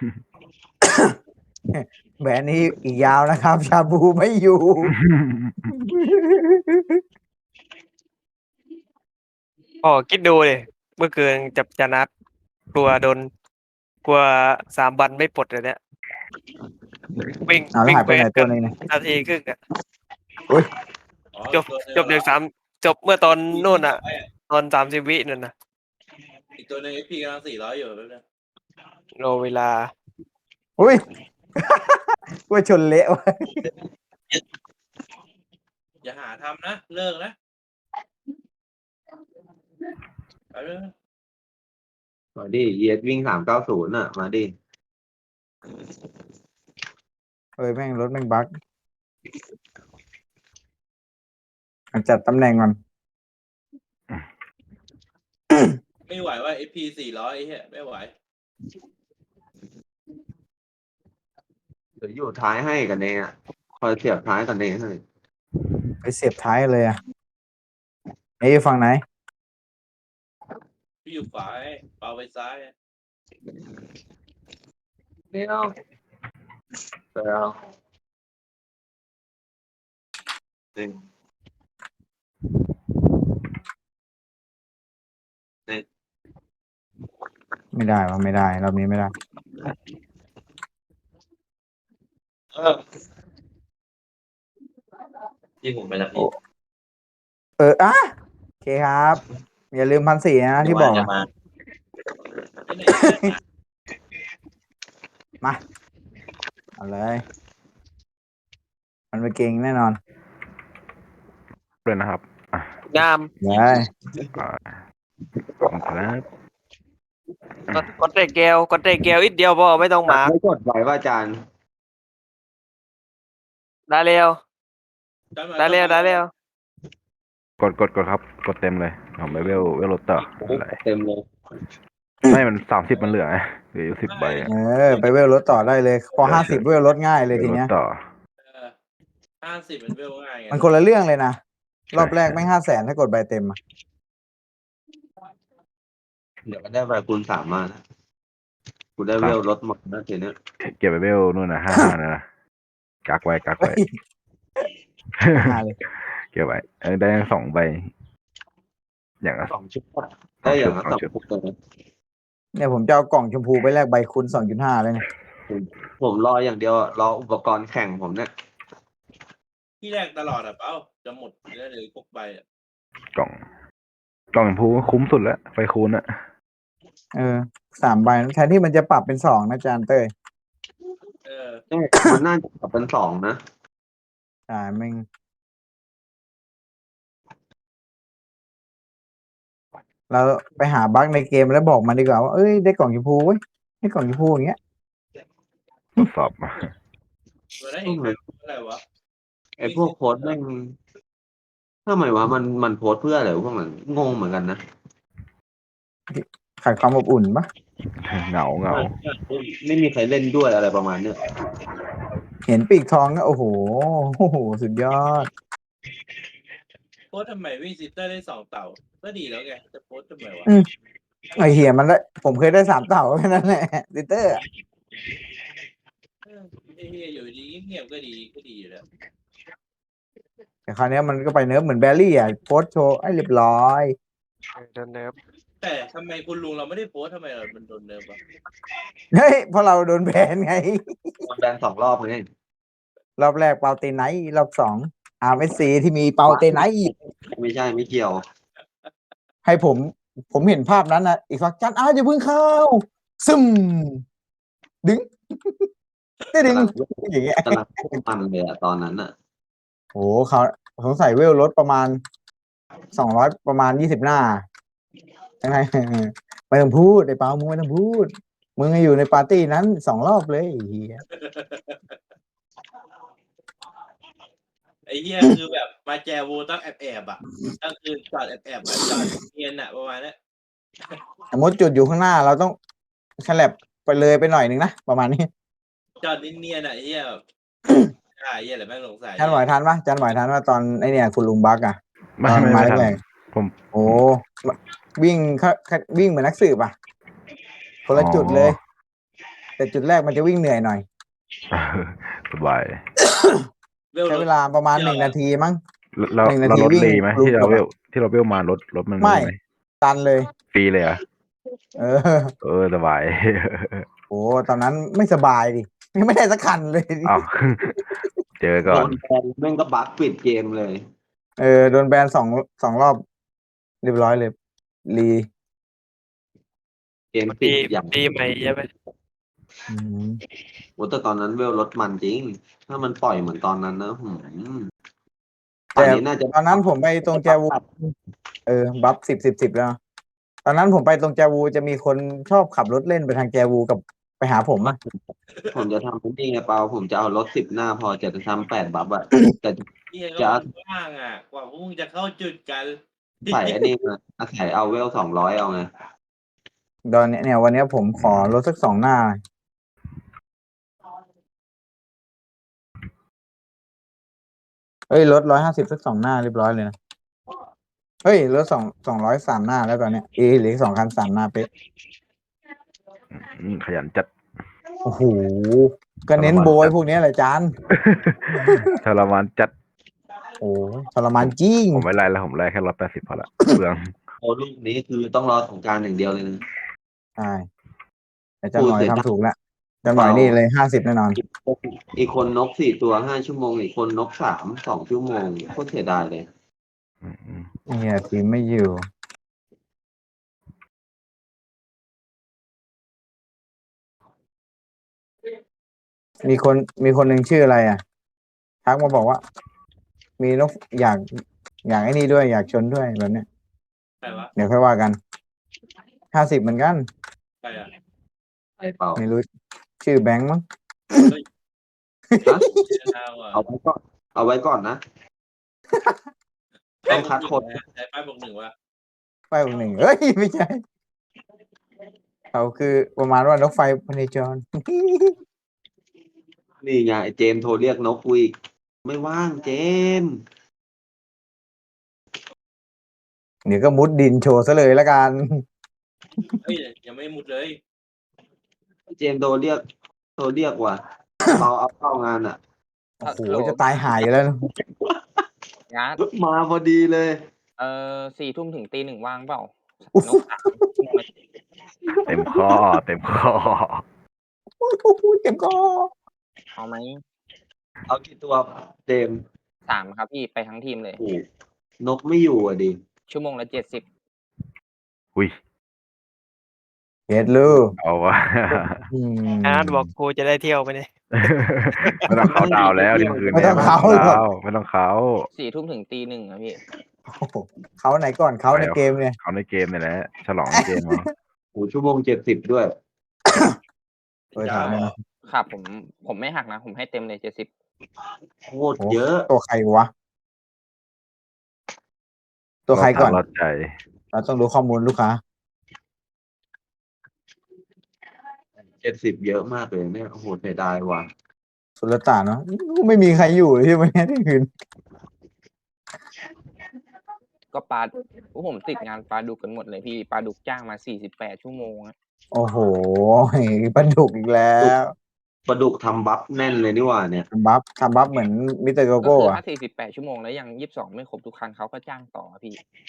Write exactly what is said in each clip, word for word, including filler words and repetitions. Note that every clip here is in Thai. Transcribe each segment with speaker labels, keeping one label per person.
Speaker 1: แบรนด์นี้อีกยาวนะครับ ชาบูไม่อยู่
Speaker 2: อ๋อคิดดูเลยเมื่อคืนจับจานัดกลัวโดนกลัวสามวันไม่ปลดเลยเนี่ยวิ่ง
Speaker 1: เอาแล้ว
Speaker 2: วิ่ง
Speaker 1: หายไปไหน
Speaker 2: เควส
Speaker 1: ตั
Speaker 2: กั
Speaker 1: วน หนึงเนี่ย
Speaker 2: นาทีครึ่งอะ
Speaker 1: อุ้ย
Speaker 3: อ๋อ
Speaker 2: จบ
Speaker 3: ตัวหนึ่ง
Speaker 2: จบเด็กสามจบเมื่อตอนนู่นอะตอนสามสิบวินั่นนะ
Speaker 3: อีกตัวหนึ่งเอพีกำลังสี่ร้อยอยู่แป๊บนึง
Speaker 2: รอเวลา
Speaker 1: อุ้ย ว่าชนเละวะ
Speaker 3: อย่าหาทำนะเลิกนะไปเลย
Speaker 4: มาดิเยสวิ่งสามเก้าศูนย์อ่ะ มาดิ
Speaker 1: เอ้ยแม่งรถแม่งบั๊กจัดตำแหน่งก่อน
Speaker 3: ไม่ไหวว่าเอพีสี่ร้อยไอ้เหี้ยไม่ไหว
Speaker 4: เดี๋ยวอยู่ท้ายให้กันเองอ่ะ คอยเสียบท้ายกันเองให้
Speaker 1: ไปเสียบท้ายเลยอ่ะไอ้ฝั่งไหน
Speaker 3: พี่อยู่ขวาไอ้เปาไปซ้าย
Speaker 4: เดี๋ยวเดี๋ยวหนึ่ง
Speaker 1: ไม่ได้วะไม่ได้รอบนี้ไม่ได้
Speaker 4: เออที่ผมไปแล้วพี่
Speaker 1: เอออ่ะโอเคครับ อย่าลืมพันสี่นะที่บอก
Speaker 4: จะ
Speaker 1: อะ
Speaker 4: มา
Speaker 3: ที่ไหน
Speaker 1: มาเอาเลย มันไปเก่งแน่นอน
Speaker 5: เลยนะครับ
Speaker 2: งาม
Speaker 1: เลย
Speaker 5: อ่าขอบคุณครับ
Speaker 2: กดกดเตะแก้วกดเตะแก้วอีกเดียวพอไม่ต้องมาร์ก
Speaker 4: ไม่กดไว้ว่าอาจารย์
Speaker 2: ได้เร็วได้เร็วได้เร็ว
Speaker 5: กดกดกดครับ กดเต็มเลยผมไปเวลเวลรถต่ออะไร
Speaker 4: เต็มเลย
Speaker 5: ไม่มันสามสิบมันเหลือไงเหลืออยู่สิบใบอะ
Speaker 1: เออ ไปเวลรถต่อได้เลย พอห้าสิบเวลรถง่ายเลยที
Speaker 5: วลรถ
Speaker 1: เนี้ย
Speaker 5: ต่อ
Speaker 3: ห้าสิบมันเวลง่ายไง
Speaker 1: มันคนละเรื่องเลยนะ รอบแรกไม่ห้าแสนถ้ากดใบเต็มอะ
Speaker 4: เดี๋ยวก็ได้ใบคูณสามมานะกูได้เวลลดหมดนะทีเนี้ย
Speaker 5: เก็บไปเวลนู่นนะห้าห้านะนะกักไว้กักไว้
Speaker 1: มาเลย
Speaker 5: เก็บไว้เออได้ทั้งสองใบ อย่างละ
Speaker 4: สองชุดอะได้อย่างละสองชุดเลย
Speaker 1: เนี่ยผมจะเอากล่องชมพูไปแลกใบคูณสองจุดห้าเลยเนี่ย
Speaker 4: ผมรออย่างเดียวอะรออุปกรณ์แข่งผมเนี่ย
Speaker 3: ที่แรกตลอดอ่ะเปาจะหมดแล้วเลยพวกใบอ่ะ
Speaker 5: กล่อง กล่องพูคุ้มสุดแล้วไฟคูณอะ
Speaker 1: เออสามใบแทนที่มันจะปรับเป็นสองนะอาจารย์เต้ย
Speaker 3: เออ
Speaker 4: มันน่าจะกลับเป็นสองนะ
Speaker 1: ใช่แม่งเราไปหาบั๊กในเกมแล้วบอกมันดีกว่าว่าเอ้ยได้กล่องชมพูเว้ยได้กล่องชมพูอย่างเงี้ย
Speaker 5: ทดสอบมา
Speaker 3: ตัวนั้นเองอะไรวะ
Speaker 4: ไอ้พวกโพสต์แม่งทำไมวะมันมันโพสต์เพื่ออะไรวะพวกมันงงเหมือนกันนะ
Speaker 1: ขาดความอบอุ่นปะ
Speaker 5: เหงาเหงา
Speaker 4: ไม่มีใครเล่นด้วยอะไรประมาณเนี้ย
Speaker 1: เห็นปีกทองก็โอ้โหโอ้โหสุดยอด
Speaker 3: โพสต์ทำไมวิ่งซิสเตอร์ได้สองเต่าก็ดีแล้วไงจะโพสต์ทำไมวะ
Speaker 1: อืม ไอเหี้ยมันได้ผมเคยได้สามเต่าแค่นั้นแหละดิเตอร์อะ
Speaker 3: เออไอ้เฮียอยู่ดีเงียบๆก็ดีก็ดีอยู่แล้ว
Speaker 1: แต่คราวเนี้ยมันก็ไปเนิร์ฟเหมือนแบรี่อ่ะโพสต์โชว์ไอ้เรียบร้อย
Speaker 2: เดินเนิบ
Speaker 3: แต่ทำไมคุณลุงเราไม่ได้โพสต์ทำไมเรามันโดนเนิร์ฟวะ
Speaker 1: เฮ้ยเพราะเราโดนแบนไง
Speaker 4: แบนสองรอบไง
Speaker 1: รอบแรกเปาเตไนท์รอบสองอาร์เอสซีที่มีเปาเตไนท์
Speaker 4: ไม่ใช่ไม่เกี่ยว
Speaker 1: ให้ผม ผมเห็นภาพนั้นนะอีกฟักจันอ้าวอย่าเพิ่งเข้า ซึมดึง ได้ดึง อย่างเงี้ย
Speaker 4: กำลังมันเลยอะตอนนั้นอะ
Speaker 1: โอ้เขาสงสัยเวลลดประมาณสองร้อยประมาณยี่สิบหน้ายังไง ไม่ต้องพูดไอ้เปามึงไม่ต้องพูด มึงอยู่ในปาร์ตี้นั้นสองรอบเลยไอ้เฮีย
Speaker 3: ไอ้เฮียคือแบบมาแจวูต้องแอบแอบๆอ่ะก็คือจอดแอบแอบๆอะจอดเนียนอ่ะประมาณนี้
Speaker 1: สมมติจุดอยู่ข้างหน้าเราต้องแคลบไปเลยไปหน่อยหนึ่งนะประมาณนี้
Speaker 3: จอดเนียนๆอ่ะไอ้เฮียแบบใช่ไอ้เฮียอะไรแม่งสงสัย
Speaker 1: จันไหวทันปะจันไหวทันว่าตอนไอเนี่ยคุณลุงบักอะ
Speaker 5: ไม่
Speaker 1: ตอน
Speaker 5: ไม่
Speaker 1: มา
Speaker 5: ไม่ทัน
Speaker 1: แรก
Speaker 5: ผม
Speaker 1: โอ้วิ่งเขาวิ่งเหมือนนักสืบอะคนละจุดเลยแต่จุดแรกมันจะวิ่งเหนื่อยหน่อย
Speaker 5: สบาย
Speaker 3: เวล
Speaker 1: ใช้
Speaker 3: ร
Speaker 1: เว
Speaker 3: ถ
Speaker 1: ลาประมาณ
Speaker 3: เดียว
Speaker 1: หนึ่งนาทีมั้ง
Speaker 5: แล้ว
Speaker 1: หนึ่งนา
Speaker 5: เรา
Speaker 1: ที
Speaker 5: รถ
Speaker 1: วิ่ง
Speaker 5: รีไหม
Speaker 1: รู
Speaker 5: ที่
Speaker 1: จ
Speaker 5: เรา
Speaker 1: บ
Speaker 5: เว
Speaker 1: อะ
Speaker 5: ลที่เราเวลมารถรถมัน
Speaker 1: ไม่
Speaker 5: ไหม
Speaker 1: ตันเลย
Speaker 5: ฟรีเลยเหรอ
Speaker 1: เออ
Speaker 5: เออสบาย
Speaker 1: โอ้ตอนนั้นไม่สบายดิไม่ได้สักคันเลย
Speaker 5: อ้าว เจอก่
Speaker 4: โด
Speaker 5: อน
Speaker 4: นแบนแม่งก็บั๊กปิดเกมเลย
Speaker 1: เออโดนแบนสองสองรอบ เรียบร้อยเลยรี
Speaker 4: เกม
Speaker 2: มัน
Speaker 4: ปิ
Speaker 2: ปี
Speaker 4: ดอย่าง
Speaker 2: ปีใหม่ใช่ไหม
Speaker 1: อืม
Speaker 4: โอ้แต่ตอนนั้นเวลรถมันจริง ถ้ามันปล่อยเหมือนตอนนั้นนะหืมตอ
Speaker 1: แต่
Speaker 4: นนี้น่าจะ
Speaker 1: ตอนนั้นผมไปตรงแจวู เออ บัฟสิบสิบสิบแล้ว ตอนนั้นผมไปตรงแจวูจะมีคนชอบขับรถเล่นไปทางแจวูกับไปหาผมอะ
Speaker 4: ผมจะทำเป็นนี่ไงเปล่าผมจะเอารถสิบหน้าพอจะทำแปดบัฟอะแต่
Speaker 3: เฮีย
Speaker 4: จะ
Speaker 3: ก็ว่างอ่ะ กว่าพวกมึงจะเข้าจุดกัน
Speaker 4: ใส่อันนี้มาอาศัยเอาเวลสองร้อยเอาไง
Speaker 1: ตอนเนี้ยเนี่ยวันเนี้ยผมขอรถสักสองหน้า เฮ้ยรถร้อยห้าสิบสักสองหน้าเรียบร้อยเลยนะ เฮ้ยรถสองสองร้อยสามหน้าแล้วตอนเนี้ยเอเหลือสองคันสามหน้าเป๊ะ
Speaker 5: อืมขยันจัด
Speaker 1: โอ้โห ก็เน้นโบยพวกเนี้ยแหละจาน
Speaker 5: ทรมานจัด
Speaker 1: โอ้ทรมานจริง
Speaker 5: ผมไม่ไล่แล้วผมไล่แค่ร้อยแปดสิบพอละเปลือง
Speaker 4: โอ้ลูกนี้คือต้องรอสงกรารอย่างเดียวเลยนะ
Speaker 1: ใช่แต่จันหน่อย
Speaker 4: พูดเสร็จ
Speaker 1: ทำถูกแล้วจันหน่อยนี่เลยห้าสิบแน่นอน
Speaker 4: อีกอีกคนนกสี่ตัวห้าชั่วโมงอีกคนนกสามสองชั่วโมงโคตรเสียดายเลย
Speaker 5: อืมอืม
Speaker 1: เนี่ยทีมไม่อยู่ มีคนมีคนหนึ่งชื่ออะไรอ่ะทักมาบอกว่า มีนกอยากอยากไอ้นี่ด้วยอยากชนด้วยแบบเนี้ย
Speaker 3: ใครวะ
Speaker 1: เดี๋ยวค่อยว่ากันห้าสิบเหมือนกัน
Speaker 3: ใครอ่ะ
Speaker 4: ไปเปล่า
Speaker 1: ไม่รู้ ชื่อแบงค์มั้ง
Speaker 4: ฮะ
Speaker 3: เฮียเอาอ่ะ
Speaker 4: เอาไว้ก่อนเอาไว้ก่อนนะ ต้องคัดคน
Speaker 3: ใช้ป้ายบวกหนึ่งวะ
Speaker 1: ไฟหนึ่งเฮ้ย ไม่ใช่ เขาคือประมาณว่านกไฟพเนจร
Speaker 4: นี่ไงไอ้เจมส์โทรเรียกนกกูอีกไม่ว่างเจมส์
Speaker 1: เดี๋ยวก็มุดดินโชว์ซะเลยละกัน
Speaker 3: เฮ้ยยังไม่มุดเลย
Speaker 4: เจมส์โทรเรียกโทรเรียกว่ะเราเอาเข้างานอ่ะ
Speaker 1: โอ้โห จะตายหายอยู่แล้วนะ
Speaker 6: งาน
Speaker 4: มาพอดีเลย
Speaker 6: เออสี่ทุ่มถึงตีหนึ่งว่างเปล่า
Speaker 1: อุ๊ย
Speaker 6: นกสามชั่วโมงละ
Speaker 5: เต็มข้อเต็มข้อ
Speaker 1: โอ้โหเจ็บคอ
Speaker 6: เอาไหม
Speaker 4: เอากี่ตัวเจมส์
Speaker 6: สามครับพี่ไปทั้งทีมเลย
Speaker 4: โอ้โหนกไม่อยู่อ่ะดิ
Speaker 6: ชั่วโมงละเจ็ดสิบ
Speaker 5: อุ้ย
Speaker 1: เฮ็ดลูก
Speaker 5: เอาวะ
Speaker 1: อืม
Speaker 2: อาร์ตบอกกูจะได้เที่ยวไปเนี่ย
Speaker 5: ไม่ต้องเขาดาวน์แล้วเที่ยงคืน
Speaker 1: ไม่
Speaker 5: นี้
Speaker 1: ต้องเขา
Speaker 5: ไม่ต้องเขาไม่ต้องเขา
Speaker 6: สี่ทุ่มถึงตีหนึ่งอะพี่
Speaker 1: โอ้โหเขาไหนก่อนเขาในเกมเนี่ย
Speaker 5: เขาในเกมนี่แหละฉลองในเกมเอา
Speaker 4: โอ้โหชั่วโมงเจ็ดสิบด้วย
Speaker 1: เออถามเลยนะ
Speaker 6: ครับผมผมไม่หักนะ ผมให้เต็มเลยเจ็ดสิบ
Speaker 4: โคตรเยอะ
Speaker 1: ตัวใครวะ ตัวใครก่อน
Speaker 5: รอดใจ
Speaker 1: เราต้องรู้ข้อมูลลูกค้า
Speaker 4: เจ็ดสิบเยอะมากเลยเนี่ยโอ้โหเสียดายว่ะ
Speaker 1: สุลต่านเนาะไม่มีใครอยู่เลยที่วันนี้ที่คืน
Speaker 6: ก็ปลาพวกผมติดงานปลาดุกกันหมดเลยพี่ปลาดุกจ้างมาสี่สิบแปดชั่วโมงอะ
Speaker 1: โอ้โหปลาดุกอีกแล้ว
Speaker 4: ปลาดุกทำบัฟแน่นเลยนี่หว่าเนี่ย
Speaker 1: ทำบัฟทำบัฟเหมือนมิสเตอร์โก
Speaker 6: ก็
Speaker 1: โก้
Speaker 6: คือ
Speaker 1: อะ
Speaker 6: ถ้าสี่สิบแปดชั่วโมงแล้วยังยี่สิบสองไม่ครบทุกครั้งเขาก็จ้างต่อพี่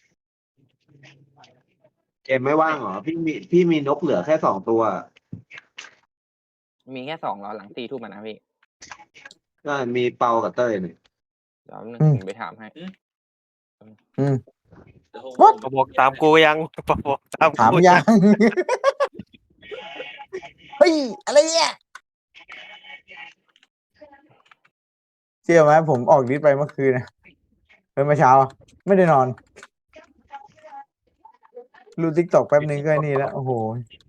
Speaker 4: เจมส์ไม่ว่างเหรอพี่มีพี่มีนกเหลือแค่สองตัว
Speaker 6: มีแค่สองแล้วหลังตีทุ่มอะนะพี่
Speaker 4: ก็มีเปากับเต้ยเนี่ย
Speaker 6: เดี๋ยวนึงผมไปถามให้
Speaker 1: อืม
Speaker 3: เดี๋ยวผม
Speaker 1: What?
Speaker 2: ปบอกตามกูยังปบอกตาม
Speaker 1: ถาม
Speaker 2: กู
Speaker 1: ยัง เฮ้ย อะไรเนี่ยเชื่อไหมผมออกดิสไปเมื่อคืนนะเฮ้ยเมื่อเช้าอะไม่ได้นอนรูทิกตอกแป๊บนึงก็ไอ้นี่แล้ว โอ้โห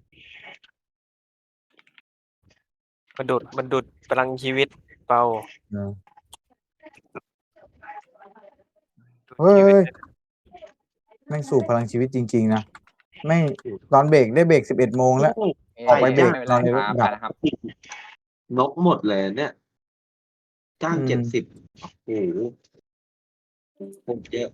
Speaker 2: มันดุดมันดุดพลังชีวิตเปล่า
Speaker 1: เออ
Speaker 2: ดุด
Speaker 1: เฮ้ย
Speaker 2: ชีวิต
Speaker 1: แม่งสูบพลังชีวิตจริง ๆ นะแม่งตอนเบรกได้เบรกสิบเอ็ดโมงแล้ว ออกไปเบรก
Speaker 6: ม่เป็น
Speaker 1: นอนในรถ
Speaker 6: ครับ
Speaker 1: ดับ
Speaker 6: นะครับ
Speaker 4: นกหมดเลยเนี่ย จ้าง
Speaker 1: อืม
Speaker 4: เจ็ดสิบโอ้โหโคตรเยอะ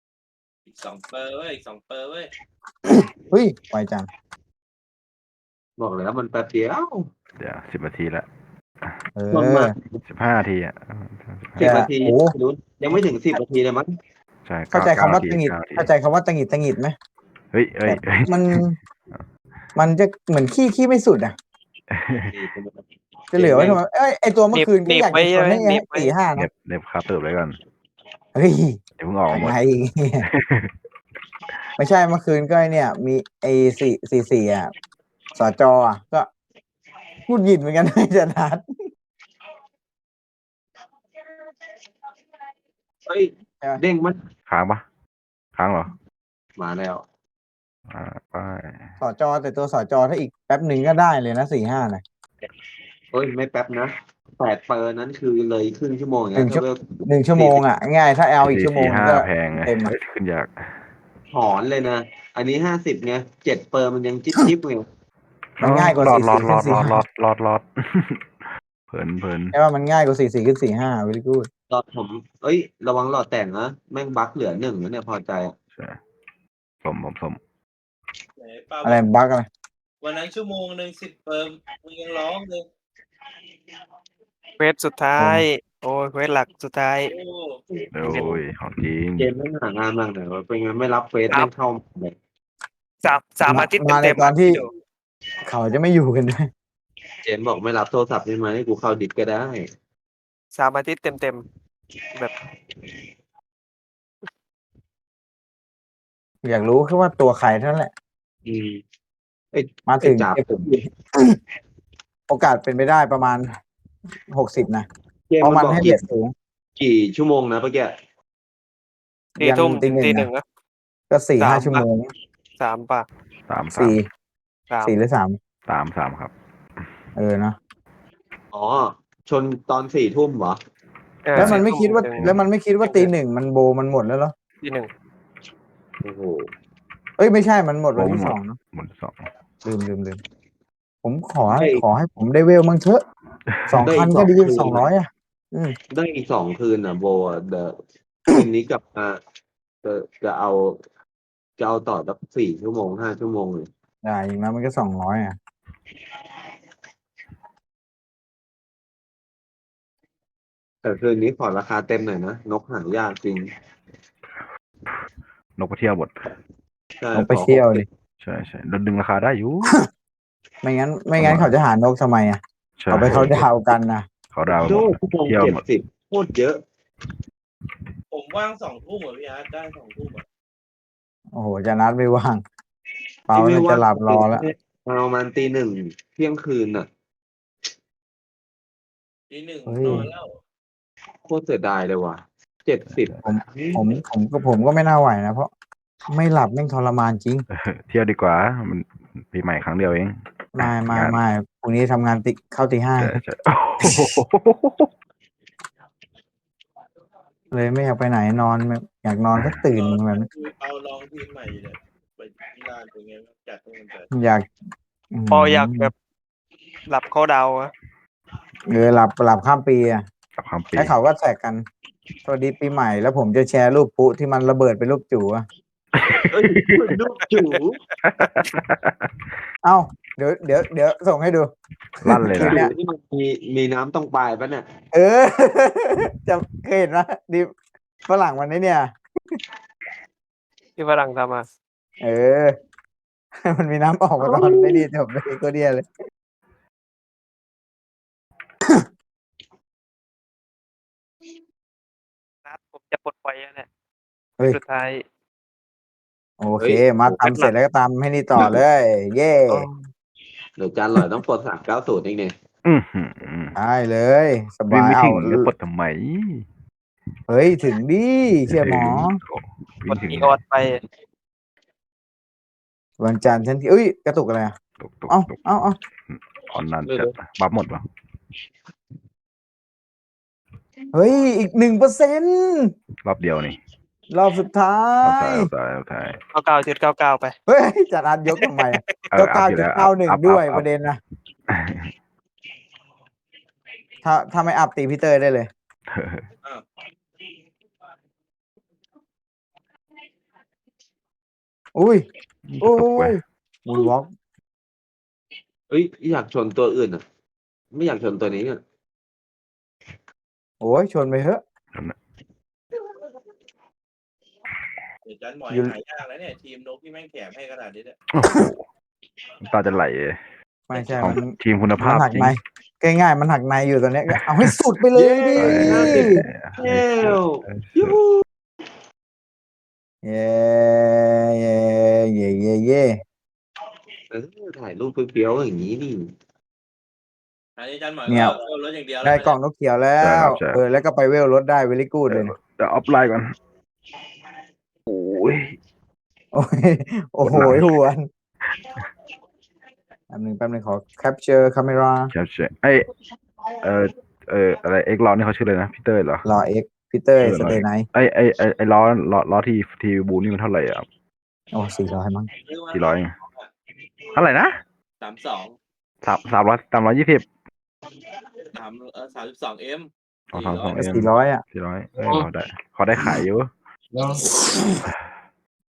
Speaker 3: อีกสองเปอร์เว้ยอีกสองเปอร์เว้ย
Speaker 1: เฮ้ยไวจัง
Speaker 4: บอกเลยว่ามันแป๊บเดียว
Speaker 5: เดี๋ยวสิบนาทีละ
Speaker 1: เอ
Speaker 4: ชนมา
Speaker 1: อ
Speaker 5: สิบห้านาทีอ่ะ
Speaker 4: สิบนาที
Speaker 1: โอ้
Speaker 4: ไม่รู้ยังไม่ถึงสิบนาทีเลยมั้ง
Speaker 5: ใช่
Speaker 1: เข้าใจคำว่า
Speaker 5: เก้
Speaker 1: ตังหงิด
Speaker 5: เก้านาที
Speaker 1: เข้าใจคำว่าตังหงิดตังหงิดไหม
Speaker 5: เฮ้ยเฮ้ย
Speaker 1: แบบ
Speaker 5: เฮ้ย
Speaker 1: มัน มันจะเหมือนขี้ขี้ไม่สุดอ่ะ จะเหลือไว้ทำไมเอ้ยไอตัวเมื่อคืน
Speaker 2: หนี
Speaker 1: ก็
Speaker 2: บ
Speaker 1: อยาก
Speaker 2: ไว้
Speaker 1: จะชนให้
Speaker 2: หนีบไว้
Speaker 1: สี่ห้า
Speaker 5: เน็
Speaker 1: นะ
Speaker 5: บเน็บคาเติบไว้ก่อน
Speaker 1: เฮ้ย
Speaker 5: เดี๋ยวเพิ่งออกมาหมด
Speaker 1: ไง ไม่ใช่เมื่อคืนก็ไอเนี่ย มีไอสี่สี่สี่อ่ะสจอ่ะก็พูดหยิดเหมือนกันไม่จะนัด
Speaker 4: เฮ้ย
Speaker 1: ใช่ไหม
Speaker 4: เด้งมัน
Speaker 5: ค้างปะค้างเหรอ
Speaker 4: มาแล้ว
Speaker 5: อ่าไป
Speaker 1: สจแต่ตัวสจถ้าอีกแป๊บหนึ่งก็ได้เลยนะสี่ห้านะ
Speaker 4: เฮ้ยไม่แป๊บนะแปดเปอร์นั้นคือเลยครึ่งชั่วโมง
Speaker 1: หนึ่
Speaker 4: แล้ว
Speaker 1: งชั่ว
Speaker 4: เวล
Speaker 1: หนึ่งชั่วโมงอ่ะ ง่ายถ้าเอาอีก
Speaker 5: สี่
Speaker 1: ชั่วโมง
Speaker 5: สี่ห้า
Speaker 1: ก็
Speaker 5: แพงไง
Speaker 1: เต็มอ่ะ
Speaker 5: เฮ้ยขึ้นยาก
Speaker 4: ถอนเลยนะ อันนี้ห้าสิบไงเจ็ดเปอร์มันยังจิ๊บจิ๊บไง
Speaker 1: มันง่ายกว่า
Speaker 5: หลอด
Speaker 1: สี่
Speaker 5: หลอ
Speaker 1: สี่
Speaker 5: ดหล
Speaker 1: ขึ้
Speaker 5: อน ดห
Speaker 1: สี่
Speaker 5: ลอดหล
Speaker 1: ห้า
Speaker 5: อดหลอดหลอด เพลินเพลิน
Speaker 1: ใช่ว่ามันง่ายกว่าสี่สี่ขึ้นสี่ห้าวิลกูด
Speaker 4: หลอดผม เอ้ย ระวังหลอดแต่งนะแม่งบั๊กเหลือหนึ่งแล้วเนี่ยพอใจอะ
Speaker 5: ใช่สมผมสม
Speaker 3: ไหนป้า
Speaker 1: อะไรบั๊กอะไร
Speaker 3: วันนั้นชั่วโมงหนึ่งสิบเปิมมึงยังร้องเลย
Speaker 2: เควสสุดท้าย โอ้ยเควสหลักสุดท้าย
Speaker 3: โอ้
Speaker 5: โอ้ยของจริง
Speaker 4: เกมแม่งหางานมากเลยว่าเป็นไงไม่รับเฟส
Speaker 2: ครั
Speaker 4: แม่
Speaker 2: บ
Speaker 4: งเข้าเลย
Speaker 2: สามสามอาทิตย์
Speaker 1: มาใน
Speaker 2: เต็มๆ
Speaker 1: ตอนที่
Speaker 2: พี่ดู
Speaker 1: เขาจะไม่อยู่กันด้วย
Speaker 4: เจมส์บอกไม่รับโทรศัพท์ได้ไหมให้กูเข้าดิสก็ได้
Speaker 2: สามอาทิตย์เต็มๆแบบ
Speaker 1: อยากรู้แค่ว่าตัวใครเท่านั้นแหละ
Speaker 4: อืมไอ้
Speaker 1: มาถึง
Speaker 4: ไอ้จับ
Speaker 1: เก็บโอกาสเป็นไปได้ประมาณหกสิบนะ
Speaker 4: เกม
Speaker 1: เพราะ
Speaker 4: มั
Speaker 1: มัน น
Speaker 4: บอก
Speaker 1: ให้
Speaker 4: กี่
Speaker 1: เบ็ดสูง
Speaker 4: กี่ชั่วโมงนะเมื่อกี้
Speaker 2: สี่ทุ่ม
Speaker 1: ตี
Speaker 2: ถึง
Speaker 1: หนึ่ง
Speaker 2: ตีหนึ่ง
Speaker 1: นะ
Speaker 2: นะ
Speaker 1: ก็สี่
Speaker 2: สาม
Speaker 1: ห้าชั่วโมง
Speaker 2: สามป่ะ
Speaker 5: สามสาม
Speaker 1: สี่
Speaker 2: สาม
Speaker 1: สี่หรือสาม
Speaker 5: สามสามครับ
Speaker 1: เออเนาะ
Speaker 4: อ๋อ ชนตอนสี่ทุ่มเหรอ
Speaker 2: เออ
Speaker 1: แล้วมันไม่
Speaker 2: สี่
Speaker 1: คิดว่า
Speaker 2: ถึง
Speaker 1: แล้วมันไม่คิดว่าตีหนึ่งมันโบมันหมดแล้วเหรอ
Speaker 2: ตีหนึ่ง
Speaker 4: โอ้โห
Speaker 1: เอ้ยไม่ใช่มันหมดวัน
Speaker 5: โบมัน
Speaker 1: ที่
Speaker 5: หมด
Speaker 1: สองเนอะ
Speaker 5: หมดสอง
Speaker 1: ลืมลืมลืมผมขอ
Speaker 4: ได้
Speaker 1: ขอให้ผมได้เวลมั่งเถอะสอง
Speaker 4: ได้
Speaker 1: พัน
Speaker 4: ส
Speaker 1: ก็
Speaker 4: อง
Speaker 1: ดี
Speaker 4: คืน
Speaker 1: สองร้อยอ่ะ อืม
Speaker 4: ได้อีกสองคืนอ่ะโบอ่ะเดอะคืนนี้กลับมาจะจะเอา จะเอาต่อสักสี่ชั่วโมงห้าชั่วโมงเลย
Speaker 1: ได้อย่างนั้นมันก็สองร้อยอ่ะ
Speaker 4: แต่คืนนี้ขอราคาเต็มหน่อยนะ นกหายากจริง
Speaker 5: นกไปเที่ยวหมด
Speaker 4: ใช่
Speaker 1: ลงไปเที่ยวดิ
Speaker 5: ใช่ใช่ดึงราคาได้อยู่
Speaker 1: ไม่งั้น ไม่งั้นเขาจะหานกทำไมอ่ะ
Speaker 5: ใช่
Speaker 1: เขาไปเขาดาวกันนะ
Speaker 5: เขาดาวห
Speaker 4: โด
Speaker 5: มด
Speaker 4: ชั่วโมง
Speaker 5: เที่ยว
Speaker 4: เจ็ด
Speaker 5: หมด
Speaker 4: สิบโคตรเยอะ
Speaker 3: ผมว่างสองทุ่มเหรอพี่อาร์ตได้สองทุ่มเหรอ
Speaker 1: โอ้โหจะนัดไม่ว่าง เปาน่าจะหลับรอแล้ว
Speaker 4: ประมาณตีหนึ่งเที่ยงคืนน่ะ
Speaker 3: ทีหนึ่ง
Speaker 1: เฮ้ย
Speaker 3: นอนแล้ว
Speaker 4: โคตรเสียดายเลยว่ะเจ็ดสิบ
Speaker 1: ผมผมผมก็ผมก็ไม่น่าไหวนะเพราะไม่หลับแม่งทรมานจริง
Speaker 5: เออเที่ยวดีกว่า มันปีใหม่ครั้งเดียวเอง
Speaker 1: ไม่ไม่
Speaker 5: งาน
Speaker 1: ไม่พรุ่งนี้ทำงานติเข้าตีห้า
Speaker 5: ใช่ใช่โอ้โห
Speaker 1: เลยไม่อยากไปไหนนอนแบบอยากนอนก็ตื่นแบบนั้น
Speaker 3: คือเอาลองทีมใหม่เนี่ยไปที่ร้านเป็นไงบ้างจัดตรงนั้นจัด
Speaker 1: อยาก
Speaker 2: พออยากแบบหลับเขาดาวอะ
Speaker 1: เออหลับหลับข้ามปีอ่ะ
Speaker 5: กับความปี
Speaker 1: แล้วเขาก็แท็กกันสวัสดีปีใหม่แล้วผมจะแชร์รูปปุ๊ที่มันระเบิดเป็นรูปจู่อะ
Speaker 4: เอ้ยลูกจู๋
Speaker 1: เอ้าเดี๋ยวเดี๋ยวเดี๋ยวส่งให้ดู
Speaker 5: ลั่นเลย
Speaker 1: คื
Speaker 5: นะ
Speaker 1: นนี้
Speaker 4: ที่มันมีมีน้ำตรงปลายปะเนี่ย
Speaker 1: เออ จะเคยเห็นไหมดิฝรั่งวันนี้เนี่ย
Speaker 2: ที่ฝรั่งทำมา
Speaker 1: เออ มันมีน้ำออกมาตอนไม่ดีจบเลยก็เดียเลย
Speaker 2: นัดผมจะปลดปล่อยแล้วเนี่ย
Speaker 1: เฮ้ย
Speaker 2: สุดท้าย
Speaker 1: โอเค มาตำเสร็จแล้วก็ตำให้นี่ต่อเลย เย่
Speaker 2: โอ้
Speaker 4: เดี๋ยวจานหลอยต้องปลดสามเก้าศูนย์อีกเนี่ย
Speaker 5: อือหือ
Speaker 1: ได้เลย ส
Speaker 5: วิ่ง
Speaker 1: บาย
Speaker 5: ไม่
Speaker 1: เอา
Speaker 5: ถึงจะปลดทำไม
Speaker 1: เฮ้ย ถึงดิเชื่อหมอ
Speaker 5: โอ้
Speaker 2: ก
Speaker 5: วิ่ง
Speaker 2: ด
Speaker 5: ถึง
Speaker 2: อีออดไป
Speaker 1: วันจันทร์ฉันที่เอ้ย กระตุกอะไรอ่ะ
Speaker 5: ตกตก
Speaker 1: เอ้า
Speaker 5: ตก
Speaker 1: เอ้าเอ้า
Speaker 5: ออนนานจัดบัฟหมดวะ
Speaker 1: เฮ้ย อีกหนึ่งเปอร์เซ็นต์
Speaker 5: รอบเดียวนี่
Speaker 1: รอบสุดท้าร
Speaker 5: อบท้าย
Speaker 1: ย
Speaker 5: รอบท้ายรอบท้าย
Speaker 2: เก้าเก้าจุดเก้าเก้าไป
Speaker 1: เฮ้ย จัดอันยกทำไม
Speaker 5: เอ
Speaker 1: เก้า
Speaker 5: ออั
Speaker 1: เก้า
Speaker 5: พอยู่
Speaker 1: จุด
Speaker 5: แล้ว
Speaker 1: เก้าหนึ่ง
Speaker 5: อัพ
Speaker 1: ด้วย
Speaker 5: อัพ
Speaker 1: ประเด็นนะ ถ้าถ้าไม่อัพตีพี่เตอร์ได้เลย
Speaker 3: อ้าว
Speaker 1: อุ้ย โอ้
Speaker 5: ตกเว้
Speaker 1: ย
Speaker 5: ย
Speaker 1: มูนวอล์ก
Speaker 4: เอ้ยอยากชนตัวอื่นอ่ะ ไม่อยากชนตัวนี้อ่ะ
Speaker 1: โอ้ยชนไปเถอะ
Speaker 3: เดี๋ยวจันหมอย
Speaker 1: อยู่
Speaker 3: หายากแล้วเนี่ยทีมนกที่แม่งแถมให้ขนาดนี้เนี่ย
Speaker 5: โอ้โหน้ำตาจะไหลเลย
Speaker 1: ไม่ใช่
Speaker 5: ของ
Speaker 1: มัน
Speaker 5: ทีมคุณ
Speaker 1: มั
Speaker 5: ภาพ
Speaker 1: นหัก
Speaker 5: จริง
Speaker 1: ในง่ายๆมันหักในอยู่ตอนเนี้ยก็เอาให้สุดไปเลยดิ
Speaker 4: เย้ยู
Speaker 1: เย้เย้เย้เย้เย้
Speaker 4: เออถ่ายรูปเปรี้ยวๆอย่างนี้นี่
Speaker 3: อันนี้จันหมอย
Speaker 1: เนี่ย
Speaker 3: ก็เอารถอย่างเดียวแล้ว
Speaker 1: ได้กล่องนกเขียวแล้
Speaker 5: ใช่คว รับใช่
Speaker 1: เออแล้วก็ไปเวลรถได้เวลิกูดเลย
Speaker 5: เดี๋ยวออฟไลน์ก่อน โอ้ย
Speaker 1: โอ้ยโอ้โห
Speaker 5: กดไลค์
Speaker 1: หวนแป๊บหนึงแป๊บหนึงขอ capture camera
Speaker 5: ใช่ใช่ไอเออเอออะไรเอ็กล้อนี่เขาชื่ออะไรนะพีเตอร์เหรอ
Speaker 1: รอเอ็กพีเตอร์
Speaker 5: ชื่อ
Speaker 1: ส
Speaker 5: อะไร
Speaker 1: เตย์ไนท์
Speaker 5: ไอไอไอไอล้อล้อล้อที่ทีบูนี่มันเท่าไหร่อ่ะ
Speaker 1: โอ้สี่ร้อยมั้ง
Speaker 3: ซื้อมา
Speaker 5: กี่ร้อย เท่าไหร่นะ
Speaker 3: สามสอง
Speaker 5: สามสามร้อยสามร้อยยี่สิบ
Speaker 3: สามเออสามสิบสองเอ็ม
Speaker 5: สองสามสอง
Speaker 1: ก็สี่ร้อยอ่ะ
Speaker 5: สี่ร้อยเอ้ยเราได้เขาได้ขายอยู่